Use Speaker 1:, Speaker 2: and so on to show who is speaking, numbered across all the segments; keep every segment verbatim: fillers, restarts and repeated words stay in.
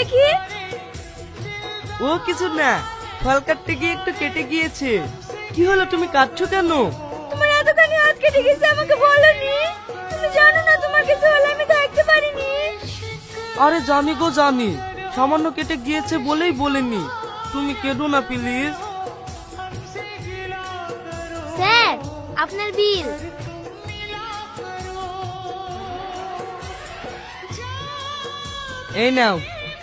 Speaker 1: দেখি।
Speaker 2: ও কিছু না, ফল কাটতে গিয়ে একটু কেটে গিয়েছে। কি হলো, তুমি কাটছো কেন?
Speaker 1: তোমার এতখানি হাত কেটে গেছে আমাকে বলনি? তুমি জানো না তোমার কিছু হলে আমি থাকতে পারিনি।
Speaker 2: আরে জানি গো জানি, সামান্য কেটে গিয়েছে বলেই বলিনি। তুমি কেঁদো না প্লিজ।
Speaker 1: স্যার, আপনার বিল।
Speaker 2: এই নাও।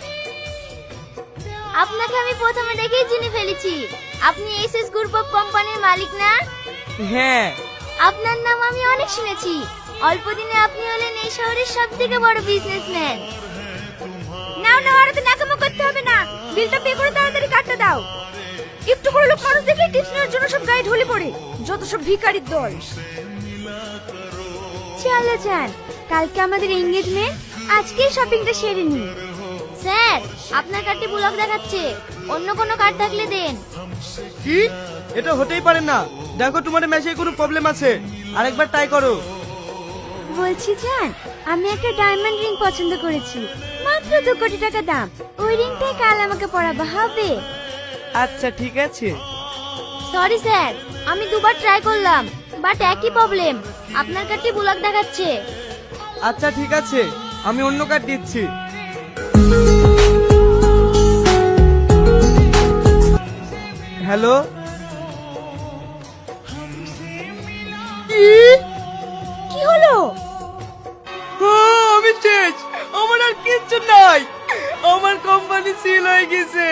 Speaker 1: আপনাকে আমি প্রথমে দেখেই চিনে ফেলেছি। আপনি এসএস গ্রুপ অফ কোম্পানির মালিক না?
Speaker 2: হ্যাঁ।
Speaker 1: আপনার নাম আমি অনেক শুনেছি। অল্প দিনে আপনি হলেন এই শহরের সবথেকে বড় বিজনেসম্যান। নাও নাও, আর তো নাকামো করতে হবে না। বিলটা পে করে তাড়াতাড়ি কাটতে দাও। একটু করে লোক মানুষ দেখলে টিপস নেওয়ার জন্য সব গায়ে ঢলে পড়ে। যত সব ভিখারির দল। চলো যান, কালকে আমাদের এনগেজমেন্ট, আজকেই শপিংটা সেরে নিই। স্যার, আপনার কার্ডটি ব্লক দেখাচ্ছে। অন্য কোনো কার্ড থাকলে দেন।
Speaker 2: কি? এটা হতেই পারে না। দেখো তোমার মেশে কোনো প্রবলেম আছে, আরেকবার ট্রাই করো।
Speaker 1: বলছি জান, আমি একটা ডায়মন্ড রিং পছন্দ করেছি, মাত্র দু কোটি টাকা দাম। ওই রিংটাই কাল আমাকে পরাবা হবে।
Speaker 2: আচ্ছা ঠিক আছে।
Speaker 1: সরি স্যার, আমি দুবার ট্রাই করলাম, বাট একই প্রবলেম। আপনার কার্ডটি ব্লক দেখাচ্ছে।
Speaker 2: আচ্ছা ঠিক আছে, আমি অন্য কার্ড দিচ্ছি। হ্যালো। কি
Speaker 1: কি হলো?
Speaker 2: আমি শেষ, আমার আর কিচ্ছু নাই। আমার কোম্পানি সিল হয়ে গেছে।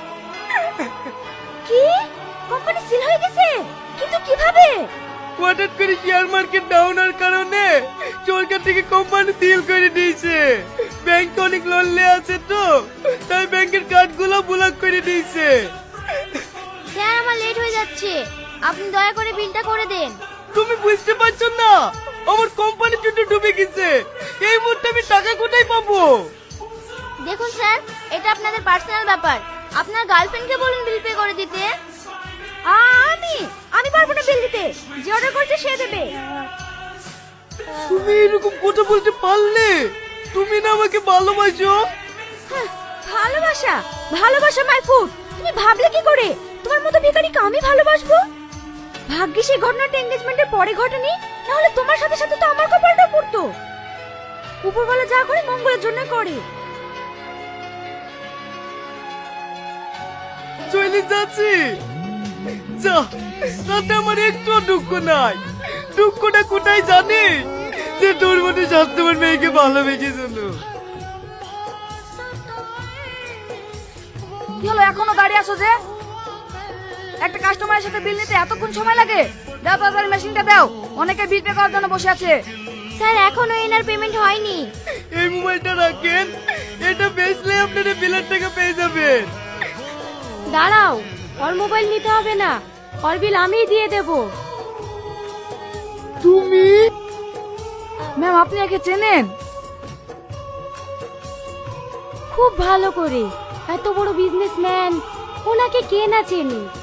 Speaker 1: কি? কোম্পানি সিল হয়ে গেছে? কিন্তু কিভাবে?
Speaker 2: হঠাৎ করে শেয়ার মার্কেট ডাউন হওয়ার কারণে সরকার থেকে কোম্পানি সিল করে দিয়েছে। ব্যাংক অনেক লোন নিয়ে আছে তো, তাই ব্যাংকের কার্ডগুলো ব্লক করে দিয়েছে।
Speaker 1: স্যার, আমার লেট হয়ে যাচ্ছে, আপনি দয়া করে বিলটা করে দেন।
Speaker 2: তুমি বুঝতে পারছো না, আমার কোম্পানি দুটো ডুবে গেছে। এই মুহূর্তে আমি টাকা কোথায় পাবো?
Speaker 1: দেখুন স্যার, এটা আপনাদের পার্সোনাল ব্যাপার। আপনার গার্লফ্রেন্ডকে বলুন বিল পে করে দিতে। আমি আমি পারবো না বিল দিতে। যে অর্ডার করছে সে দেবে।
Speaker 2: তুমি এরকম কথা বলতে পারলে? তুমি না আমাকে ভালোবাসো?
Speaker 1: হ্যাঁ, ভালোবাসা ভালোবাসা মাই ফুড। তুমি ভাবলে কি করে তোমার মতো ভিখারিকে আমি ভালোবাসবো? ভাগ্যিস এই ঘটনাটা এনগেজমেন্টের পরে ঘটেনি, না হলে তোমার সাথে সাথে তো আমার কপালটা পড়তো। উপরওয়ালা যা করে মঙ্গলের জন্য করে।
Speaker 2: চলে যাচ্ছি। যা, তাতে আমার একটু দুঃখ নাই। দুঃখটা কোথায় জানি? যে তোর মতো স্বাস্থ্যবান মেয়েকে ভালোবেসেছিল।
Speaker 1: কি হলো, এখনো দাঁড়িয়ে আছো যে? একটা কাস্টমারের সাথে বিল নিতে এতক্ষণ সময় লাগে? দাও তাড়াতাড়ি মেশিনটা দাও, অনেকে বিল পে করার জন্য বসে আছে। স্যার, এখনো এনার পেমেন্ট হয়নি।
Speaker 2: এই মোবাইলটা রাখেন, এটা বেচলে আপনারা বিলের টাকা পেয়ে যাবেন।
Speaker 1: দাঁড়াও, ওর মোবাইল নিতে হবে না, ওর বিল আমিই দিয়ে দেব।
Speaker 2: তুমি?
Speaker 1: ম্যাম, আপনি একে চেনেন? খুব ভালো করে। এত বড় বিজনেসম্যান, ওনাকে কে না চেনে।